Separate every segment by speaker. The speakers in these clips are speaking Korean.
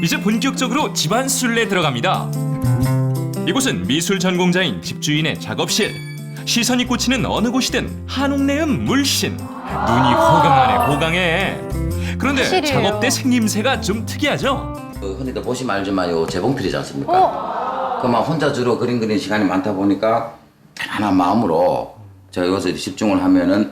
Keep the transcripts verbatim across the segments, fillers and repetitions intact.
Speaker 1: 이제 본격적으로 집안 술래 들어갑니다. 이곳은 미술 전공자인 집주인의 작업실. 시선이 꽂히는 어느 곳이든 한옥내음 물씬. 눈이 호강하네 호강해. 그런데
Speaker 2: 사실이에요.
Speaker 1: 작업대 생김새가 좀 특이하죠?
Speaker 3: 그 흔히들 보시면 알지만 요 재봉틀이지 않습니까?
Speaker 2: 어?
Speaker 3: 그만 혼자 주로 그림 그리는 시간이 많다 보니까 편안한 마음으로 제가 여기서 집중을 하면은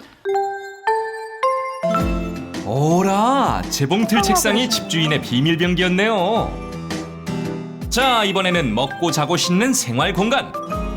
Speaker 1: 오라, 재봉틀 책상이 집주인의 비밀병기였네요. 자, 이번에는 먹고 자고 씻는 생활 공간.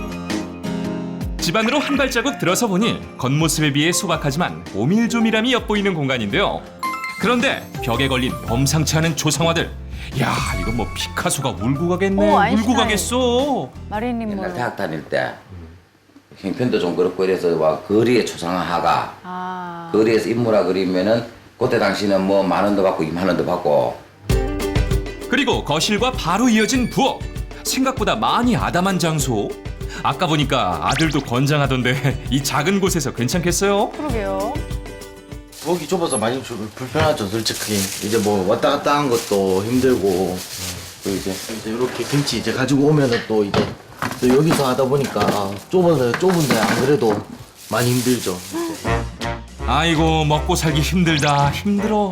Speaker 1: 집안으로 한 발자국 들어서 보니 겉모습에 비해 소박하지만 오밀조밀함이 엿보이는 공간인데요. 그런데 벽에 걸린 범상치 않은 조상화들. 야, 이건 뭐 피카소가 울고 가겠네.
Speaker 2: 오,
Speaker 1: 울고
Speaker 2: 아인슈타인.
Speaker 1: 가겠어.
Speaker 2: 마릴린
Speaker 3: 옛날
Speaker 2: mon로.
Speaker 3: 대학 다닐 때 형편도 좀 그렇고 이래서 막 거리에 초상화가
Speaker 2: 아.
Speaker 3: 거리에서 인물화 그리면은 그때 당시는 뭐 만 원도 받고 이만 원도 받고
Speaker 1: 그리고 거실과 바로 이어진 부엌. 생각보다 많이 아담한 장소. 아까 보니까 아들도 권장하던데 이 작은 곳에서 괜찮겠어요?
Speaker 2: 그러게요.
Speaker 4: 부엌이 좁아서 많이 좀 불편하죠, 솔직히. 이제 뭐 왔다 갔다 하는 것도 힘들고, 또 이제, 이제 이렇게 김치 이제 가지고 오면은 또 이제 또 여기서 하다 보니까 좁아서 좁은데 안 그래도 많이 힘들죠. 이제.
Speaker 1: 아이고, 먹고 살기 힘들다 힘들어.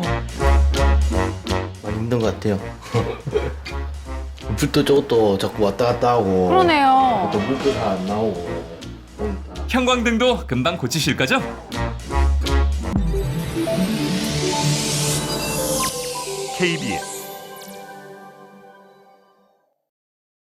Speaker 4: 많이 힘든 것 같아요. 불도 저것도 자꾸 왔다 갔다 하고.
Speaker 2: 그러네요.
Speaker 4: 또 물도 잘 안 나오고. 보니까.
Speaker 1: 형광등도 금방 고치실 거죠?
Speaker 5: 케이비에스